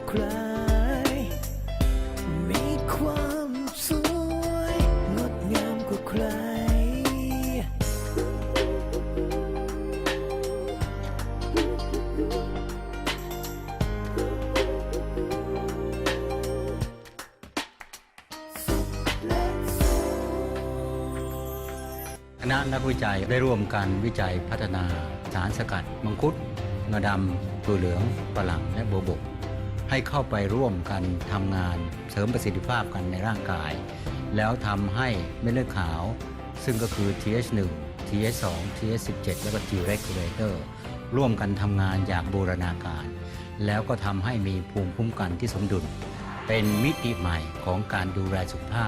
ใครมีความสวยงดงามกว่าใครคณะนักวิจัยได้ร่วมกันวิจัยพัฒนาสารสกัดมังคุดงาดำถั่วเหลืองฝรั่งและโบวบกให้เข้าไปร่วมกันทำงานเสริมประสิทธิภาพกันในร่างกายแล้วทำให้เม็ดเลือดขาวซึ่งก็คือ TH1 TH2 TH17 และก็ T regulator ร่วมกันทำงานอย่างบูรณาการแล้วก็ทำให้มีภูมิคุ้มกันที่สมดุลเป็นมิติใหม่ของการดูแลสุขภาพ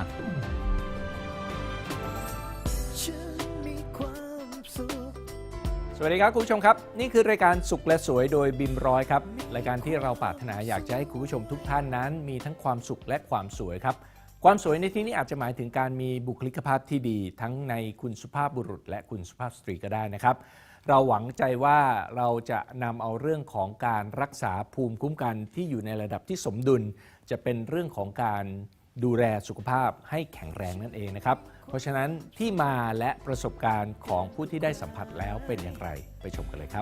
สวัสดีครับคุณผู้ชมครับนี่คือรายการสุขและสวยโดยบิมร้อยครับรายการที่เราปรารถนาอยากจะให้คุณผู้ชมทุกท่านนั้นมีทั้งความสุขและความสวยครับความสวยในที่นี้อาจจะหมายถึงการมีบุคลิกภาพที่ดีทั้งในคุณสุภาพบุรุษและคุณสุภาพสตรีก็ได้นะครับเราหวังใจว่าเราจะนำเอาเรื่องของการรักษาภูมิคุ้มกันที่อยู่ในระดับที่สมดุลจะเป็นเรื่องของการดูแลสุขภาพให้แข็งแรงนั่นเองนะครับเพราะฉะนั้นที่มาและประสบการณ์ของผู้ที่ได้สัมผัสแล้วเป็นอย่างไรไปชมกันเลยครับ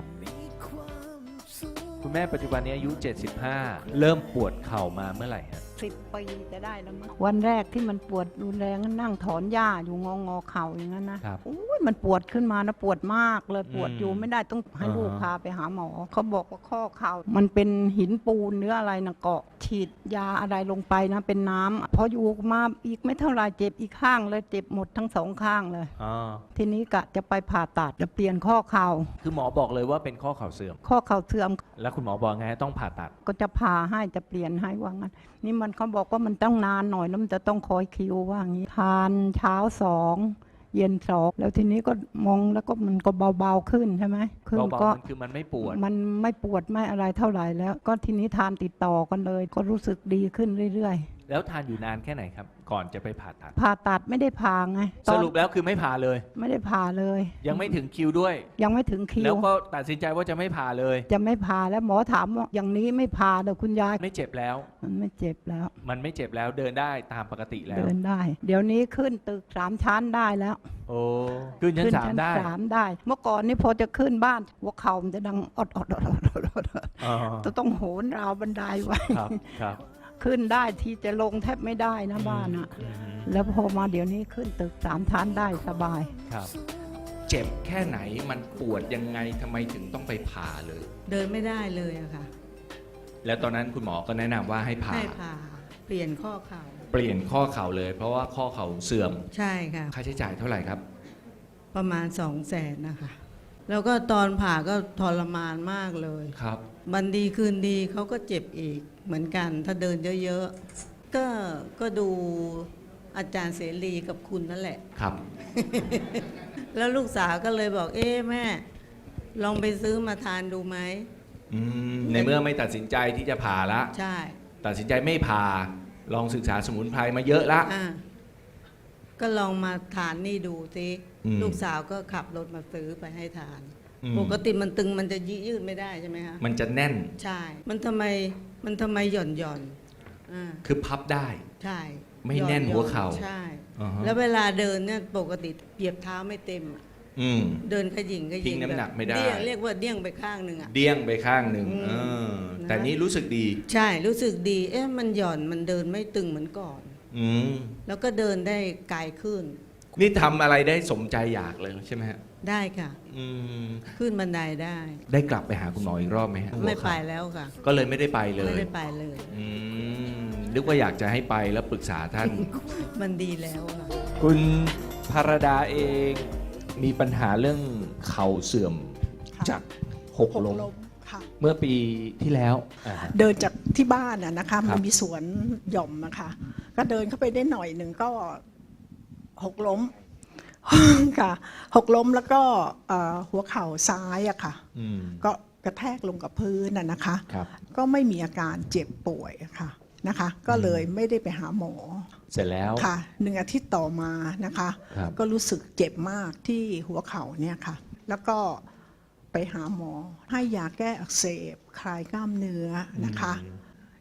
คุณแม่ปัจจุบันนี้อายุ75เริ่มปวดเข่ามาเมื่อไหร่ฮะ 10 ปีจะได้แล้วมั้งวันแรกที่มันปวดรุนแรงนั่งถอนหญ้าอยู่งอเข่าอย่างนั้นนะมันปวดขึ้นมานะปวดมากเลยปวดอยู่ไม่ได้ต้องให้ลูกพาไปหาหมอเขาบอกว่าข้อเข่ามันเป็นหินปูนเนื้ออะไรนะเกาะฉีดยาอะไรลงไปนะเป็นน้ำพออยู่มาอีกไม่เท่าไรเจ็บอีกข้างเลยเจ็บหมดทั้งสองข้างเลยทีนี้กะจะไปผ่าตัดจะเปลี่ยนข้อเข่าคือหมอบอกเลยว่าเป็นข้อเข่าเสื่อมข้อเข่าเสื่อมแล้วคุณหมอบอกไงต้องผ่าตัดก็จะผ่าให้จะเปลี่ยนให้ว่างั้นนี่มันเขาบอกว่ามันต้องนานหน่อยแล้วมันจะต้องคอยคิวว่างี้ทานเช้า2เย็น2แล้วทีนี้ก็มองแล้วก็มันก็เบาๆขึ้นใช่ไหมคือก็คือมันไม่ปวดมันไม่ปวดไม่อะไรเท่าไหร่แล้วก็ทีนี้ทานติดต่อกันเลยก็รู้สึกดีขึ้นเรื่อยๆแล้วทานอยู่นานแค่ไหนครับก่อนจะไปผ่าตัดผ่าตัดไม่ได้ผ่าไงสรุปแล้วคือไม่ผ่าเลยไม่ได้ผ่าเลยยังไม่ถึงคิวด้วยยังไม่ถึงคิวแล้วก็ตัดสินใจว่าจะไม่ผ่าเลยจะไม่ผ่าแล้วหมอถามว่าอย่างนี้ไม่ผ่าเดี๋ยวคุณยายไม่เจ็บแล้วมันไม่เจ็บแล้วมันไม่เจ็บแล้วเดินได้ตามปกติแล้วเดินได้เดี๋ยวนี้ขึ้นตึก3 ชั้นได้แล้วโอ้ขึ้นชั้น3ได้เมื่อก่อนนี่พอจะขึ้นบ้านหัวเข่ามันจะดังอดต้องโหนราวบันไดไว้ครับขึ้นได้ที่จะลงแทบไม่ได้นะบ้านอะแล้วพอมาเดี๋ยวนี้ขึ้นตึก3 ชั้นได้สบายครับเจ็บแค่ไหนมันปวดยังไงทำไมถึงต้องไปผ่าเลยเดินไม่ได้เลยอะค่ะแล้วตอนนั้นคุณหมอก็แนะนำว่าให้ผ่าเปลี่ยนข้อเข่าเปลี่ยนข้อเข่าเลยเพราะว่าข้อเข่าเสื่อมใช่ค่ะค่าใช้จ่ายเท่าไหร่ครับประมาณ200,000นะคะแล้วก็ตอนผ่าก็ทรมานมากเลยครับวันดีคืนดีเขาก็เจ็บอีกเหมือนกันถ้าเดินเยอะๆก็ดูอาจารย์เสรีกับคุณนั่นแหละครับแล้วลูกสาวก็เลยบอกแม่ลองไปซื้อมาทานดูไหมในเมื่อไม่ตัดสินใจที่จะผ่าละใช่ตัดสินใจไม่ผ่าลองศึกษาสมุนไพรมาเยอะละก็ลองมาทานนี่ดูสิลูกสาวก็ขับรถมาซื้อไปให้ทานปกติมันตึงมันจะยืดไม่ได้ใช่ไหมคะมันจะแน่นใช่มันทำไมหย่อนคือพับได้ใช่ไม่แน่นหัวเข่าใช่แล้วเวลาเดินเนี่ยปกติเหยียบเท้าไม่เต็มเดินขยิงน้ำหนักไม่ได้เรียกว่าเดี้ยงไปข้างหนึ่งเดี้ยงไปข้างหนึ่งแต่นี้รู้สึกดีใช่รู้สึกดีมันหย่อนมันเดินไม่ตึงเหมือนก่อนแล้วก็เดินได้ไกลขึ้นนี่ทำอะไรได้สมใจอยากเลยใช่ไหมฮะได้ค่ะขึ้นบันไดได้กลับไปหาคุณหมออีกรอบไหมฮะไม่ไปแล้วค่ะก็เลยไม่ได้ไปเลยไม่ได้ไปเลยนึกว่าอยากจะให้ไปแล้วปรึกษาท่านมันดีแล้วค่ะคุณภรดาเองมีปัญหาเรื่องเข่าเสื่อมจากหกล้มเมื่อปีที่แล้วเดินจากที่บ้านนะคะมันมีสวนหย่อมนะคะก็เดินเข้าไปได้หน่อยหนึ่งก็หกล้มค่ะหกล้มแล้วก็หัวเข่าซ้ายอะค่ะก็กระแทกลงกับพื้นนะคะก็ไม่มีอาการเจ็บป่วยค่ะนะคะก็เลยไม่ได้ไปหาหมอเสร็จแล้วค่ะ1 อาทิตย์ต่อมานะคะก็รู้สึกเจ็บมากที่หัวเข่าเนี่ยค่ะแล้วก็ไปหาหมอให้ยาแก้อักเสบคลายกล้ามเนื้อนะคะ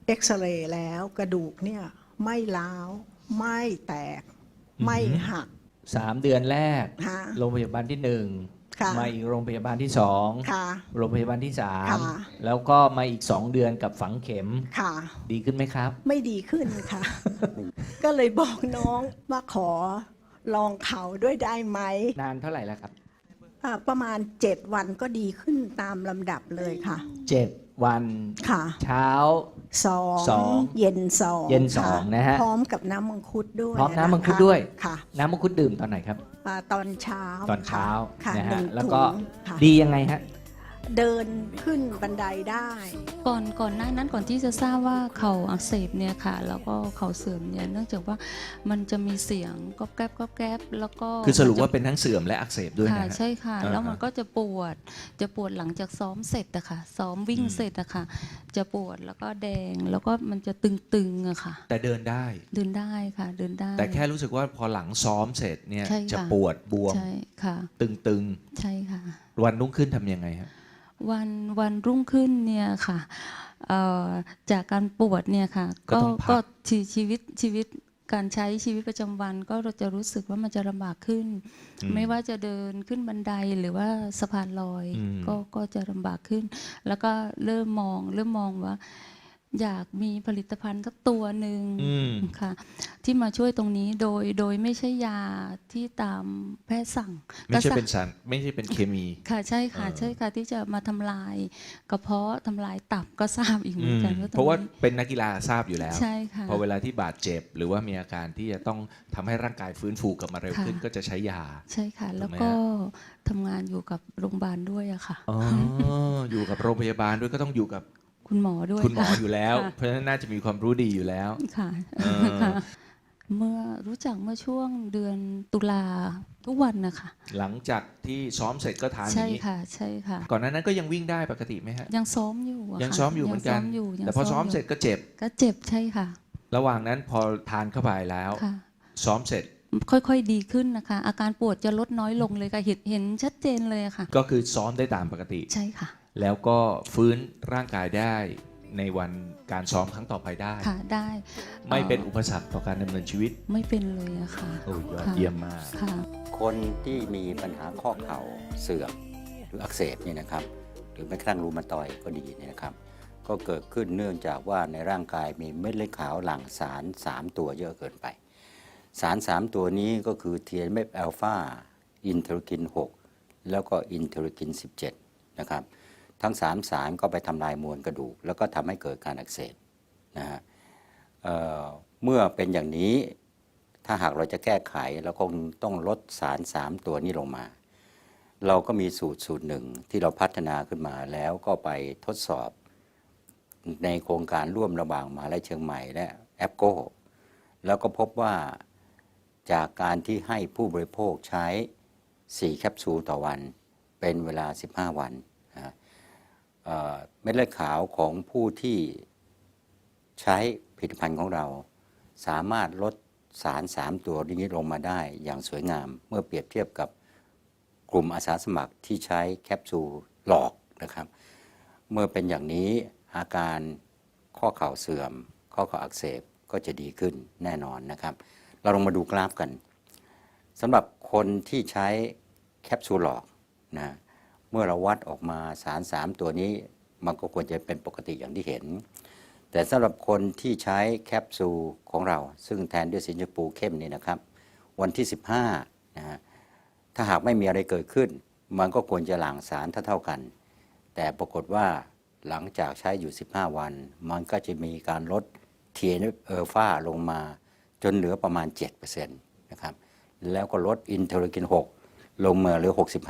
เอ็กซเรย์แล้วกระดูกเนี่ยไม่ร้าวไม่แตกไม่หัก 3 เดือนแรกค่ะโรงพยาบาลที่ค่ะ 1 มาอีกโรงพยาบาลที่ค่ะ 2 โรงพยาบาลที่ค่ะ 3 แล้วก็มาอีก 2 เดือนกับฝังเข็มค่ะดีขึ้นไหมครับไม่ดีขึ้นค่ะ ก็เลยบอกน้องว่าขอลองเขาด้วยได้ไหมนานเท่าไหร่แล้วครับประมาณ 7 วันก็ดีขึ้นตามลำดับเลยค่ะ 7 วันค่ะเช้าสองสองเย็นสองเย็นสองค่นะฮะพร้อมกับน้ำมังคุดด้วยพร้อมน้ำมังคุดด้วยค่ะน้ำมังคุดดื่มตอนไหนครับตอนเช้าตอนเช้าค่ะนะหนึ่ฮะงแล้วก็ถุงค่ะดียังไงฮะเดินขึ้นบันไดได้ก่อนหน้านั้นก่อนที่จะทราบว่าเข่าอักเสบเนี่ยค่ะ แล้วก็เข่าเสื่อมเนี่ยเนื่องจากว่ามันจะมีเสียงก๊อบแก๊บก๊อบแก๊บแล้วก็คือสรุปว่าเป็นทั้งเสื่อมและอักเสบด้วยค่ะนะฮะใช่ค่ะอ่าแล้วมันก็จะปวดหลังจากซ้อมเสร็จอะค่ะ ซ้อมวิ่งเสร็จอะค่ะ จะปวดแล้วก็แดงแล้วก็มันจะตึงๆอะค่ะแต่เดินได้เดินได้ค่ะเดินได้แต่แค่รู้สึกว่าพอหลังซ้อมเสร็จเนี่ยใช่ค่ะจะปวดบวมใช่ค่ะตึงใช่ค่ะๆ วันรุ่งขึ้นทำยังไงฮะวันรุ่งขึ้นเนี่ยค่ะจากการปวดเนี่ยค่ะก็ต้องพักก็ชีวิตการใช้ชีวิตประจำวันก็เราจะรู้สึกว่ามันจะลำบากขึ้น ไม่ว่าจะเดินขึ้นบันไดหรือว่าสะพานลอย ก็จะลำบากขึ้น แล้วก็เริ่มมองว่า อยากมีผลิตภัณฑ์สักตัวหนึ่งค่ะ ที่มาช่วยตรงนี้โดยไม่ใช่ยาที่ตามแพทย์สั่งไม่ใช่ก็เป็นสารไม่ใช่เป็นเคมีค่ะใช่ค่ะใช่ค่ะที่จะมาทำลายกระเพาะทำลายตับก็ทราบอีกเหมือนกันว่าตเพราะว่านี้เป็นนักกีฬาทราบอยู่แล้วใช่ค่ะพอเวลาที่บาดเจ็บ หรือว่ามีอาการที่จะต้องทำให้ร่างกายฟื้นฟูกลับมาเร็วขึ้นค่ะก็จะใช้ยาใช่ค่ะ แล้วถูกไหมก็ฮะทำงานอยู่กับโรงพยาบาลด้วยอะค่ะอ๋ออยู่กับโรงพยาบาลด้วยก็ต้องอยู่กับคุณหมอด้วยคุณหมอค่ะอยู่แล้วค่ะเพราะฉะนั้นน่าจะมีความรู้ดีอยู่แล้วค่ะเออค่ะ เมื่อรู้จักเมื่อช่วงเดือนตุลาทุกวันนะคะหลังจากที่ซ้อมเสร็จก็ทานอใช่ย่างนี้ค่ะใช่ค่ะก่อนหน้านั้นก็ยังวิ่งได้ปกติไหมฮะยังซ้อมอยู่อะยังค่ะซ้อมอยู่เหมือนกันยังซ้อมอยู่ยังแต่พอซ้อมยู่เสร็จก็เจ็บก็เจ็บใช่ค่ะระหว่างนั้นพอทานเข้าไปแล้วค่ะซ้อมเสร็จค่อยๆดีขึ้นนะคะ อาการปวดจะลดน้อยลงเลยค่ะเห็นชัดเจนเลยอะค่ะก็คือซ้อมได้ตามปกติใช่ค่ะแล้วก็ฟื้นร่างกายได้ในวันการซ้อมครั้งต่อไปได้ค่ะได้ไม่เป็นอุปสรรคต่อการดำเนินชีวิตไม่เป็นเลยอะค่ะโอ้ยยอดค่ะเยี่ยมมากค่ะคนที่มีปัญหาข้อเข่าเสื่อมหรืออักเสบเนี่ยนะครับ หรือแม้กระทั่งรูมาตอยด์ก็ดีเนี่ยนะครับ ก็เกิดขึ้นเนื่องจากว่าในร่างกายมีเม็ดเลือดขาวหลั่งสาร 3 ตัวเยอะเกินไป สาร 3 ตัวนี้ก็คือ TNF อ l ลฟาอินเทอร์คิน 6 แล้วก็อินเทอร์คิน 17 นะครับ ทั้ง 3 สารก็ไปทำลายมวลกระดูก แล้วก็ทำให้เกิดการอักเสบนะฮะเมื่อเป็นอย่างนี้ถ้าหากเราจะแก้ไขเราคงต้องลดสาร 3 ตัวนี้ลงมา เราก็มีสูตรหนึ่งที่เราพัฒนาขึ้นมาแล้วก็ไปทดสอบในโครงการร่วมระหว่างมหาวิทยาลัยเชียงใหม่และแอปโก้แล้วก็พบว่าจากการที่ให้ผู้บริโภคใช้ 4 แคปซูลต่อวันเป็นเวลา 15 วันเม็ดเลือดขาวของผู้ที่ใช้ผลิตภัณฑ์ของเราสามารถลดสาร 3 ตัวนี้ลงมาได้อย่างสวยงามเมื่อเปรียบเทียบกับกลุ่มอาสาสมัครที่ใช้แคปซูลหลอกนะครับ เมื่อเป็นอย่างนี้อาการข้อเข่าเสื่อมข้อเข่าอักเสบก็จะดีขึ้นแน่นอนนะครับ เราลองมาดูกราฟกันสำหรับคนที่ใช้แคปซูลหลอกนะเมื่อเราวัดออกมาสาร 3 ตัวนี้มันก็ควรจะเป็นปกติอย่างที่เห็น แต่สำหรับคนที่ใช้แคปซูลของเราซึ่งแทนด้วยสีชมพูเข้มนี่นะครับวันที่ 15นะฮะถ้าหากไม่มีอะไรเกิดขึ้นมันก็ควรจะหลั่งสารเท่ากัน แต่ปรากฏว่าหลังจากใช้อยู่ 15 วันมันก็จะมีการลด TNF อ l ลฟาลงมาจนเหลือประมาณ 7% นะครับแล้วก็ลดอินเทอร์คิน 6 ลงมาเหลือ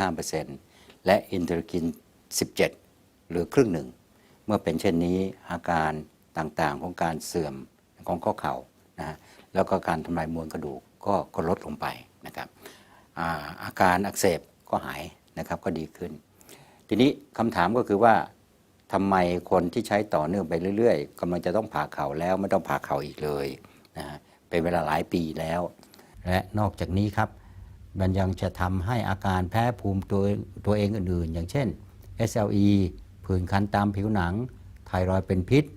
65% และอินเทอร์คิน 17 เหลือครึ่งหนึ่งเมื่อเป็นเช่นนี้อาการต่างๆของการเสื่อมของข้อเข่านะแล้วก็การทำลายมวลกระดูกก็ลดลงไปนะครับอาการอักเสบก็หายนะครับก็ดีขึ้น ทีนี้คำถามก็คือว่าทำไมคนที่ใช้ต่อเนื่องไปเรื่อยๆกำลังจะต้องผ่าเข่าแล้วไม่ต้องผ่าเข่าอีกเลยนะเป็นเวลาหลายปีแล้ว และนอกจากนี้ครับมันยังจะทำให้อาการแพ้ภูมิตัวเองอื่นๆ อย่างเช่น SLE ผื่นคันตามผิวหนังไทรอยด์เป็นพิษ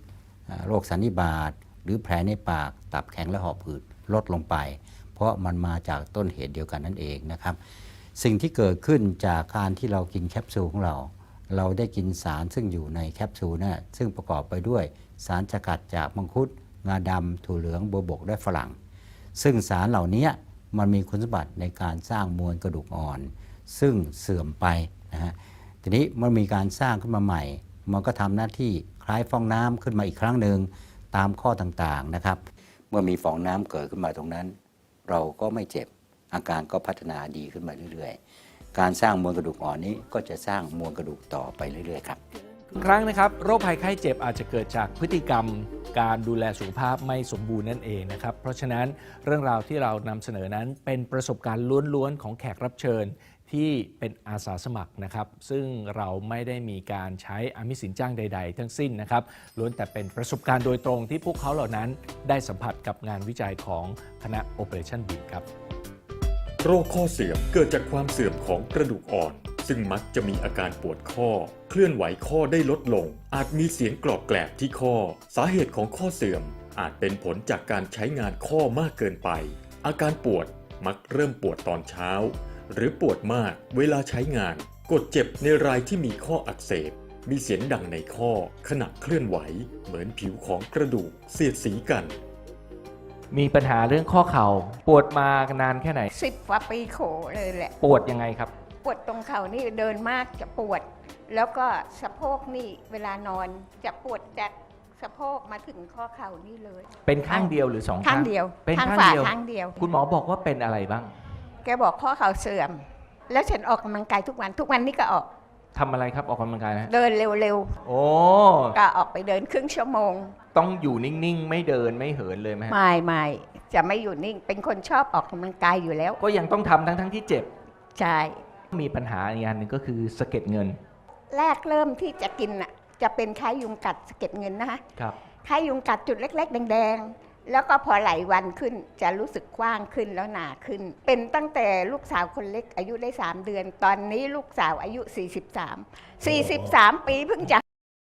โรคสันนิบาตหรือแผลในปากตับแข็งและหอบหืดลดลงไป เพราะมันมาจากต้นเหตุเดียวกันนั่นเองนะครับสิ่งที่เกิดขึ้นจากการที่เรากินแคปซูลของเราได้กินสารซึ่งอยู่ในแคปซูลนะซึ่งประกอบไปด้วยสารสกัดจากมังคุดงาดำถั่วเหลืองบัวบกและฝรั่งซึ่งสารเหล่านี้มันมีคุณสมบัติในการสร้างมวลกระดูกอ่อนซึ่งเสื่อมไปนะฮะทีนี้มันมีการสร้างขึ้นมาใหม่มันก็ทำหน้าที่คล้ายฟองน้ำขึ้นมาอีกครั้งหนึ่งตามข้อต่างๆนะครับเมื่อมีฟองน้ำเกิดขึ้นมาตรงนั้นเราก็ไม่เจ็บอาการก็พัฒนาดีขึ้นมาเรื่อยๆการสร้างมวลกระดูกอ่อนนี้ก็จะสร้างมวลกระดูกต่อไปเรื่อยๆครับครั้งนะครับโรคภัยไข้เจ็บอาจจะเกิดจากพฤติกรรมการดูแลสุขภาพไม่สมบูรณ์นั่นเองนะครับเพราะฉะนั้นเรื่องราวที่เรานำเสนอนั้นเป็นประสบการณ์ล้วนๆของแขกรับเชิญที่เป็นอาสาสมัครนะครับซึ่งเราไม่ได้มีการใช้อามิสสินจ้างใดๆทั้งสิ้นนะครับล้วนแต่เป็นประสบการณ์โดยตรงที่พวกเขาเหล่านั้นได้สัมผัสกับงานวิจัยของคณะ Operation BEAM ครับโรคข้อเสื่อมเกิดจากความเสื่อมของกระดูกอ่อนซึ่งมักจะมีอาการปวดข้อเคลื่อนไหวข้อได้ลดลงอาจมีเสียงกรอบแกรบที่ข้อสาเหตุของข้อเสื่อมอาจเป็นผลจากการใช้งานข้อมากเกินไปอาการปวดมักเริ่มปวดตอนเช้าหรือปวดมากเวลาใช้งานกดเจ็บในรายที่มีข้ออักเสบมีเสียงดังในข้อขณะเคลื่อนไหวเหมือนผิวของกระดูกเสียดสีกันมีปัญหาเรื่องข้อเข่าปวดมานานแค่ไหน 10 กว่าปีโขเลยแหละปวดยังไงครับปวดตรงเข่านี่เดินมากจะปวด แล้วก็สะโพกนี่เวลานอนจะปวดจากสะโพกมาถึงข้อเข่านี่เลยเป็นข้างเดียวหรือ2 ข้างเดียวเป็นข้างฝ่าเดียวข้างเดียวคุณหมอบอกว่าเป็นอะไรบ้างแกบอกข้อเข่าเสื่อมแล้วฉันออกกำลังกายทุกวันนี่ก็ออกทำอะไรครับออกกำลังกายนะเดินเร็วๆโอ้ก็ออกไปเดินครึ่งชั่วโมงต้องอยู่นิ่งๆไม่เดินไม่เหินเลยไหมไม่จะไม่อยู่นิ่งเป็นคนชอบออกกำลังกายอยู่แล้วก็ยังต้องทำทั้งที่เจ็บใช่มีปัญหาอีกอันหนึ่งก็คือสะเก็ดเงินแรกเริ่มที่จะกินน่ะจะเป็นคล้ายยุงกัดสะเก็ดเงินนะคะครับคล้ายยุงกัดจุดเล็กๆแดงๆแล้วก็พอหลายวันขึ้นจะรู้สึกกว้างขึ้นแล้วหนาขึ้นเป็นตั้งแต่ลูกสาวคนเล็กอายุได้3 เดือนตอนนี้ลูกสาวอายุ43ปีเพิ่งจะ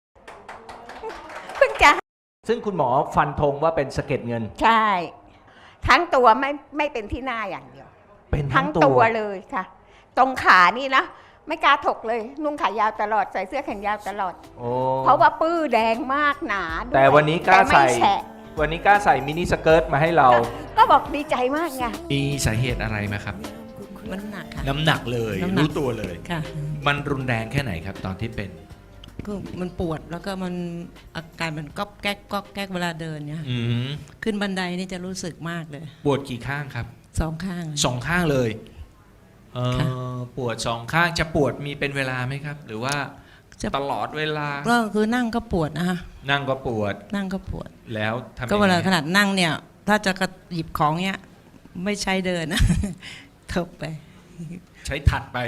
ซึ่งคุณหมอฟันธงว่าเป็นสะเก็ดเงินใช่ทั้งตัวไม่เป็นที่หน้าอย่างเดียวเป็นทั้งตัวเลยค่ะตรงขานี่นะไม่กล้าถกเลยนุ่งขายาวตลอดใส่เสื้อแขนยาวตลอดเพราะว่าปื้อแดงมากหนาแต่วันนี้กล้าใส่มินิสเกิร์ตมาให้เราก็บอกดีใจมากไงมีสาเหตุอะไรไหมครับมันหนักค่ะน้ำหนักเลยรู้ตัวเลยค่ะมันรุนแรงแค่ไหนครับตอนที่เป็นก็มันปวดแล้วก็มันอาการมันก๊อบแก๊กเวลาเดินเนี่ยขึ้นบันไดนี่จะรู้สึกมากเลยปวดกี่ข้างครับ 2 ข้าง 2 ข้างเลยปวด2 ข้างจะปวดมีเป็นเวลาไหมครับหรือว่าตลอดเวลาก็คือนั่งก็ปวดนะคะนั่งก็ปวดแล้วทำก็เวลาขนาดนั่งเนี่ยถ้าจะหยิบของเนี่ยไม่ใช้เดินนะเถิบไปใช้ถัดไป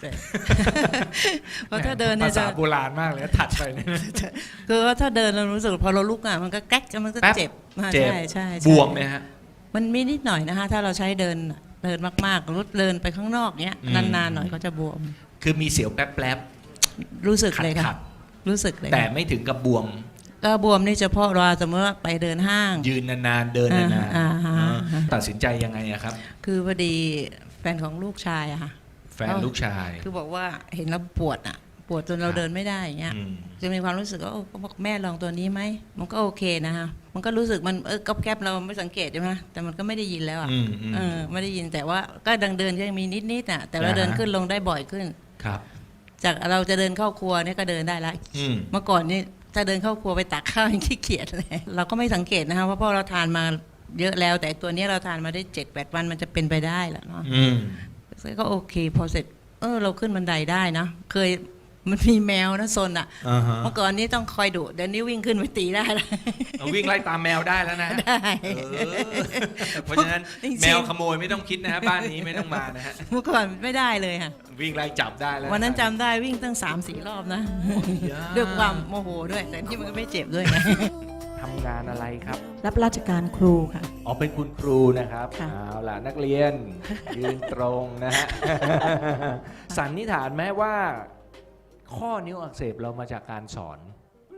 เพราะถ้าเดินเนี่ยภาษาโบราณมากเลยถัดไปคือว่าถ้าเดินเรารู้สึกพอเราลุกอ่ะมันก็แก๊กมันก็เจ็บใช่บวมไหมฮะมันมีนิดหน่อยนะคะถ้าเราใช้เดินมากๆรุดเดินไปข้างนอกเนี้ยนานๆหน่อยก็จะบวมคือมีเสียวแป๊บรู้สึกเลยค่ะรู้สึกเลยแต่ไม่ถึงกับบวมก็บวมนี่เฉพาะเราสมมติว่าไปเดินห้างยืนนานๆเดินนานๆตัดสินใจยังไงครับคือพอดีแฟนของลูกชายอะค่ะแฟนลูกชายคือบอกว่าเห็นแล้วปวดจนเราเดินไม่ได้อย่างเงี้ยจะมีความรู้สึกว่าก็บอกแม่ลองตัวนี้ไหมมันก็โอเคนะคะมันก็รู้สึกมันก๊อบแก๊บเราไม่สังเกตใช่ไหมแต่มันก็ไม่ได้ยินแล้วอ่ะไม่ได้ยินแต่ว่าก็ดังเดินยังมีนิดๆอ่ะแต่เราเดินขึ้นลงได้บ่อยขึ้นครับจากเราจะเดินเข้าครัวเนี่ยก็เดินได้แล้วเมื่อก่อนนี่ถ้าเดินเข้าครัวไปตักข้าวยังขี้เกียจเลยเราก็ไม่สังเกตนะคะเพราะเราทานมาเยอะแล้วแต่ตัวนี้เราทานมาได้ 7-8 วันมันจะเป็นไปได้แหละเนาะก็โอเคพอเสร็จเราขึ้นบันไดได้นะเคยมันมีแมวนะซนอ่ะเมื่อก่อนนี้ต้องคอยดุเดี๋ยวนี้วิ่งขึ้นไปตีได้แล้ววิ่งไล่ตามแมวได้แล้วนะได้เพราะฉะนั้นแมวขโมยไม่ต้องคิดนะฮะบ้านนี้ไม่ต้องมานะฮะเมื่อก่อนไม่ได้เลยค่ะวิ่งไล่จับได้แล้ววันนั้นจำได้วิ่งตั้ง 3-4 รอบนะด้วยความโมโหด้วยแต่ที่มันก็ไม่เจ็บด้วยไงทำงานอะไรครับรับราชการครูค่ะอ๋อเป็นคุณครูนะครับเอาล่ะนักเรียนยืนตรงนะฮะสันนิษฐานไหมว่าข้อนิ้วอักเสบเรามาจากการสอน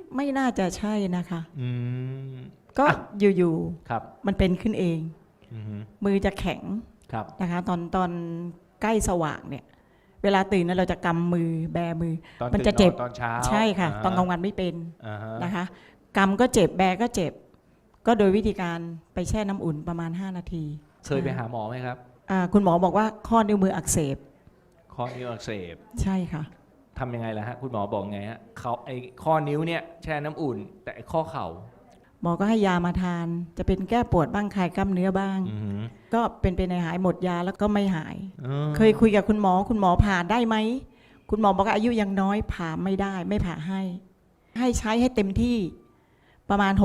ไม่น่าจะใช่นะคะอืมก็อยู่ครับๆมันเป็นขึ้นเองอือฮึมือจะแข็งครับนะคะตอนใกล้สว่างเนี่ย เวลาตื่นนั้นเราจะกำมือแบมือตอนมัตื่นจะเจ็บนอนตอนเช้าใช่ค่ะาตอนกลางวันไม่เป็นอ่าฮะนะคะกำก็เจ็บแบก็เจ็บ ก็โดยวิธีการไปแช่น้ำอุ่นประมาณ 5 นาทีเคยไปหาหมอไหมครับคุณหมอบอกว่าข้อนิ้วมืออักเสบข้อนิ้วอักเสบใช่ค่ะทำยังไงล่ะฮะคุณหมอบอกไงฮะเขาไอ้ข้อนิ้วเนี่ยแช่น้ำอุ่น แต่ไอ้ข้อเข่าหมอก็ให้ยามาทาน จะเป็นแก้ปวดบ้างคลายกล้ามเนื้อบ้างอือฮึก็เป็นไปในหายหมดยาแล้วก็ไม่หายอืมเคยคุยกับคุณหมอผ่าได้ไหม คุณหมอบอกว่าอายุยังน้อยผ่าไม่ได้ไม่ผ่าให้ ให้ใช้ให้เต็มที่ประมาณ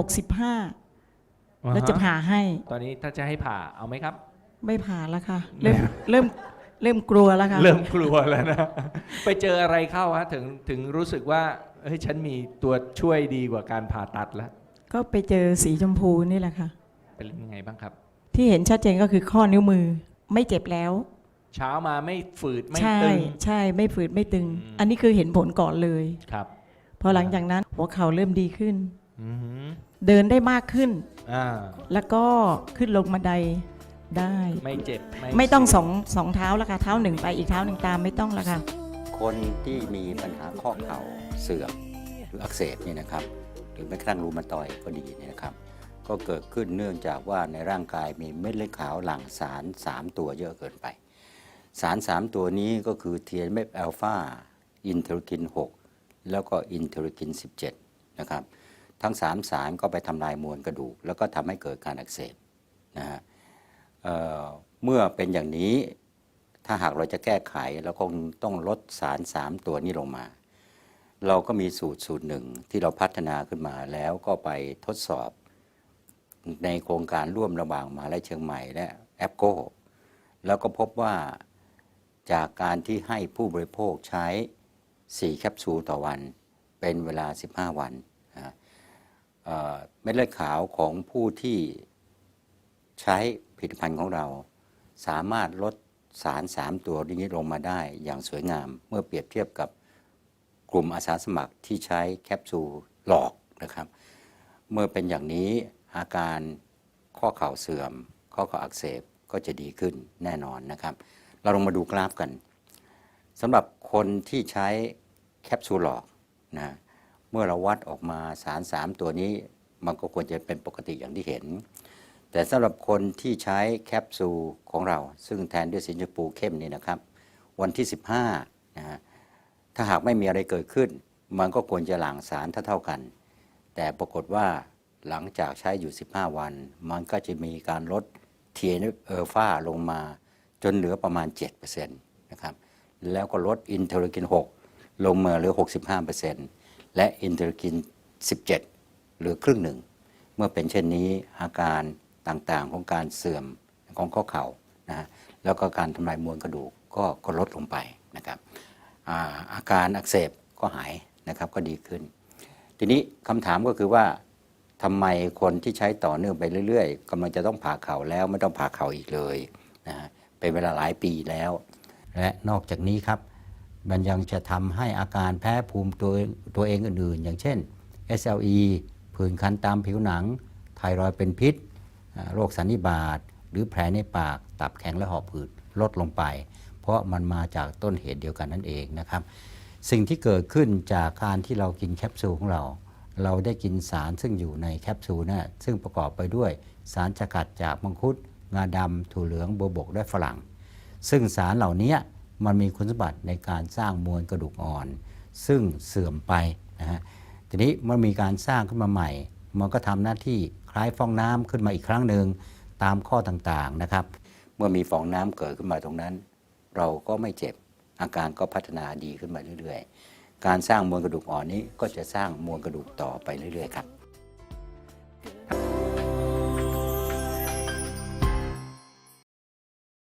65 แล้วจะผ่าให้ตอนนี้ถ้าจะให้ผ่าเอาไหมครับไม่ผ่าแล้วค่ะ เริ่มกลัวแล้วค่ะเริ่มกลัวแล้วนะ ไปเจออะไรเข้าฮะถึงรู้สึกว่าเฮ้ยฉันมีตัวช่วยดีกว่าการผ่าตัดแล้วก็ไปเจอสีชมพูนี่แหละค่ะเป็นยังไงบ้างครับที่เห็นชัดเจนก็คือข้อนิ้วมือไม่เจ็บแล้วเช้ามาไม่ฝืดไม่ใช่ตึงใช่ไม่ฝืดไม่ตึงอืมอันนี้คือเห็นผลก่อนเลยครับพอหลังจากนั้นหัวเข่าเริ่มดีขึ้นอือฮึเดินได้มากขึ้นอ่าแล้วก็ขึ้นลงบันไดได้ไม่เจ็บไม่ต้องเสียสองเท้าแล้วค่ะเท้าหนึ่งไปอีกเท้าหนึ่งตามไม่ต้องแล้วค่ะคนที่มีปัญหาข้อเข่าเสื่อมหรืออักเสบเนี่ยนะครับ หรือแม้กระทั่งรูมาตอยด์ก็ดีเนี่ยนะครับ ก็เกิดขึ้นเนื่องจากว่าในร่างกายมีเม็ดเลือดขาวหลั่งสาร 3 ตัวเยอะเกินไป สาร 3 ตัวนี้ก็คือ TNF อ l ลฟาอินเทอร์คิน 6 แล้วก็อินเทอร์คิน 17 นะครับ ทั้ง 3 สารก็ไปทำลายมวลกระดูก แล้วก็ทำให้เกิดการอักเสบนะฮะเมื่อเป็นอย่างนี้ถ้าหากเราจะแก้ไขเราคงต้องลดสาร 3 ตัวนี้ลงมา เราก็มีสูตรหนึ่งที่เราพัฒนาขึ้นมาแล้วก็ไปทดสอบในโครงการร่วมระหว่างมหาวิทยาลัยเชียงใหม่และแอปโก้แล้วก็พบว่าจากการที่ให้ผู้บริโภคใช้ 4 แคปซูลต่อวันเป็นเวลา 15 วันเม็ดเลือดขาวของผู้ที่ใช้ผลิตภัณฑ์ของเราสามารถลดสาร 3 ตัวนี้ลงมาได้อย่างสวยงามเมื่อเปรียบเทียบกับกลุ่มอาสาสมัครที่ใช้แคปซูลหลอกนะครับ เมื่อเป็นอย่างนี้อาการข้อเข่าเสื่อมข้อเข่าอักเสบก็จะดีขึ้นแน่นอนนะครับ เราลองมาดูกราฟกันสำหรับคนที่ใช้แคปซูลหลอกนะเมื่อเราวัดออกมาสาร 3 ตัวนี้มันก็ควรจะเป็นปกติอย่างที่เห็น แต่สำหรับคนที่ใช้แคปซูลของเราซึ่งแทนด้วยสีชมพูเข้มนี่นะครับวันที่ 15นะฮะถ้าหากไม่มีอะไรเกิดขึ้นมันก็ควรจะหลั่งสารเท่ากันแต่ปรากฏว่าหลังจากใช้อยู่ 15 วันมันก็จะมีการลด TNF อ l ลฟาลงมาจนเหลือประมาณ 7% นะครับแล้วก็ลดอินเทอร์คิน 6 ลงมาเหลือ 65% และอินเทอร์คิน 17 เหลือครึ่งหนึ่งเมื่อเป็นเช่นนี้อาการต่างๆของการเสื่อมของข้อเข่านะแล้วก็การทำลายมวลกระดูกก็ลดลงไปนะครับอาการอักเสบก็หายนะครับก็ดีขึ้น ทีนี้คำถามก็คือว่าทำไมคนที่ใช้ต่อเนื่องไปเรื่อยๆกำลังจะต้องผ่าเข่าแล้วไม่ต้องผ่าเข่าอีกเลยนะเป็นเวลาหลายปีแล้ว และนอกจากนี้ครับมันยังจะทำให้อาการแพ้ภูมิตัวเองอื่นๆอย่างเช่น SLE ผื่นคันตามผิวหนังไทรอยด์เป็นพิษโรคสันนิบาตหรือแผลในปากตับแข็งและหอบหืดลดลงไป เพราะมันมาจากต้นเหตุเดียวกันนั่นเองนะครับสิ่งที่เกิดขึ้นจากการที่เรากินแคปซูลของเราได้กินสารซึ่งอยู่ในแคปซูลนะซึ่งประกอบไปด้วยสารสกัดจากมังคุดงาดำถั่วเหลืองบัวบกและฝรั่งซึ่งสารเหล่านี้มันมีคุณสมบัติในการสร้างมวลกระดูกอ่อนซึ่งเสื่อมไปนะฮะทีนี้มันมีการสร้างขึ้นมาใหม่มันก็ทำหน้าที่คล้ายฟองน้ำขึ้นมาอีกครั้งหนึ่งตามข้อต่างๆนะครับเมื่อมีฟองน้ำเกิดขึ้นมาตรงนั้นเราก็ไม่เจ็บอาการก็พัฒนาดีขึ้นมาเรื่อยๆการสร้างมวลกระดูกอ่อนนี้ก็จะสร้างมวลกระดูกต่อไปเรื่อยๆครับ